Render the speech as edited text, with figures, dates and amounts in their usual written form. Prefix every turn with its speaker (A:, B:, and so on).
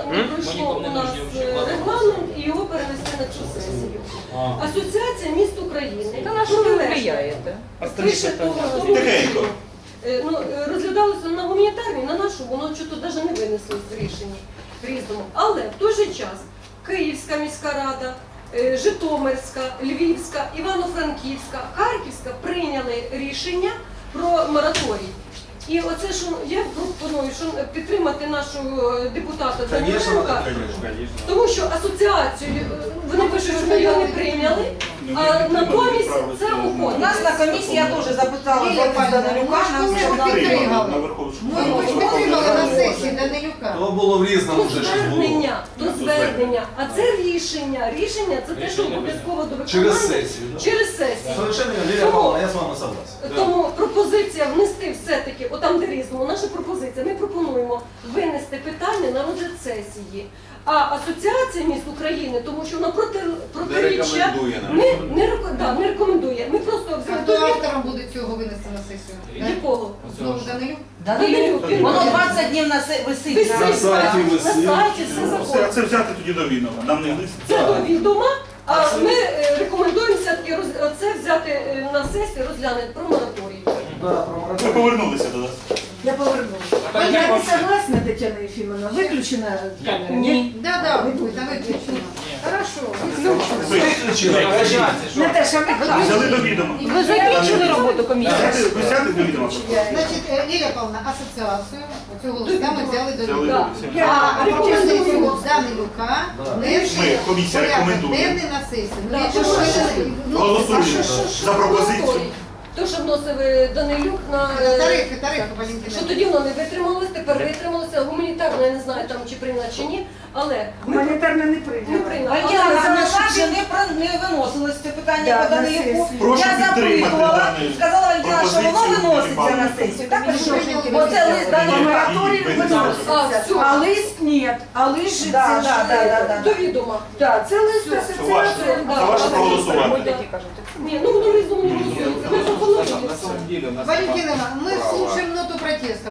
A: не пройшло у нас регламент і його перенесли на цю сесію. Асоціація міст України.
B: Та на що ви впливаєте?
A: Більше того,
C: Тихенько.
A: розглядалося на гуманітарній, на нашу, воно чого навіть не винесло з рішення різному. Але в той же час Київська міська рада, Житомирська, Львівська, Івано-Франківська, Харківська прийняли рішення про мораторій. І оце, що я пропоную, що підтримати нашого депутата Даниленка, тому що асоціацію, вони пишуть, що ми його не прийняли, а натомість це
B: У
A: уходить.
B: нас на комісії я теж запитала Данилюка, нам сказали,
D: Ми ж підтримали на сесії Данилюка.
E: То було в різному вже щось було.
A: До звернення. А це рішення. Рішення це те, що обов'язково до виконання.
E: Через сесію, да?
A: Через сесію.
E: Совершенно верно, Лилия Павловна, я з вами согласен.
A: Тому пропозиція внести все-таки, отам де різному, наша пропозиція, ми пропонуємо винести питання на розгляд сесії. А Асоціація міст України, тому що вона протиріччя, не рекомендує. Ми просто
D: А хто автором буде цього винести на сесію?
A: якого?
D: Знову Данилюк?
B: Данилюк, воно 20 днів висить.
E: На сайті
A: на
E: висить.
A: сайті все
C: Це
A: заходить.
C: взяти тоді до відома. Нам не лист.
A: Це до відома, а ми рекомендуємо все-таки це взяти на сесію, розглянути про мораторій.
C: Ми повернулися до нас.
F: Я повернулася. Я не согласна, Тетяна Ефимовна. Выключена камера?
A: Ні.
D: Да, виключно. Хорошо.
F: Наташа, выключена.
C: Взяли до відома.
B: Ви закінчили роботу комісії?
C: Ви взяти до відома.
D: Значить, Лілія Павловна, асоціацію цього листа ми взяли до
C: Взяли
D: відома.
C: до відома.
D: А пропозицію Данилюка
C: Ми, комісія рекомендує.
D: денний на сесію. Ну,
A: Так,
D: якщо
A: що
D: ви- ну,
C: Голосуємо за пропозицію.
A: То, що вносив Данилюк на
D: Тарифи,
A: що
D: Валентина.
A: тоді воно не витрималось, тепер витрималося. Гуманітарно, я не знаю там чи прийняла чи ні, але ми
F: Гуманитарно не
A: не
F: приняла.
A: прийняли.
B: Валентина
A: Але
B: Олександровна,
A: за
B: ще не виносилось це питання
F: Да,
B: по
F: на
B: Данилюку.
F: сесію.
C: Прошу
B: Я
C: підтримати
B: запитувала,
C: дану
B: сказала Валентина, що воно
C: пропозицію,
B: виноситься на
C: Іван
B: сесію. Так,
D: Іванович.
B: що
D: Прийняли.
B: оце лист
F: По
B: Данилюка.
F: мораторию
C: Ні,
F: выносится.
A: А,
F: А лист нет. А лист же
B: Да,
F: це ж,
B: да.
A: до відома.
F: Да, це лист
C: Це
F: асоціації.
C: ваше.
A: Да,
C: За ваше
A: да.
C: проголосувати.
A: Ні, ну воно різно не голосується. Ми пропонуємо.
D: Валентина, мы слушаем ноту протеста.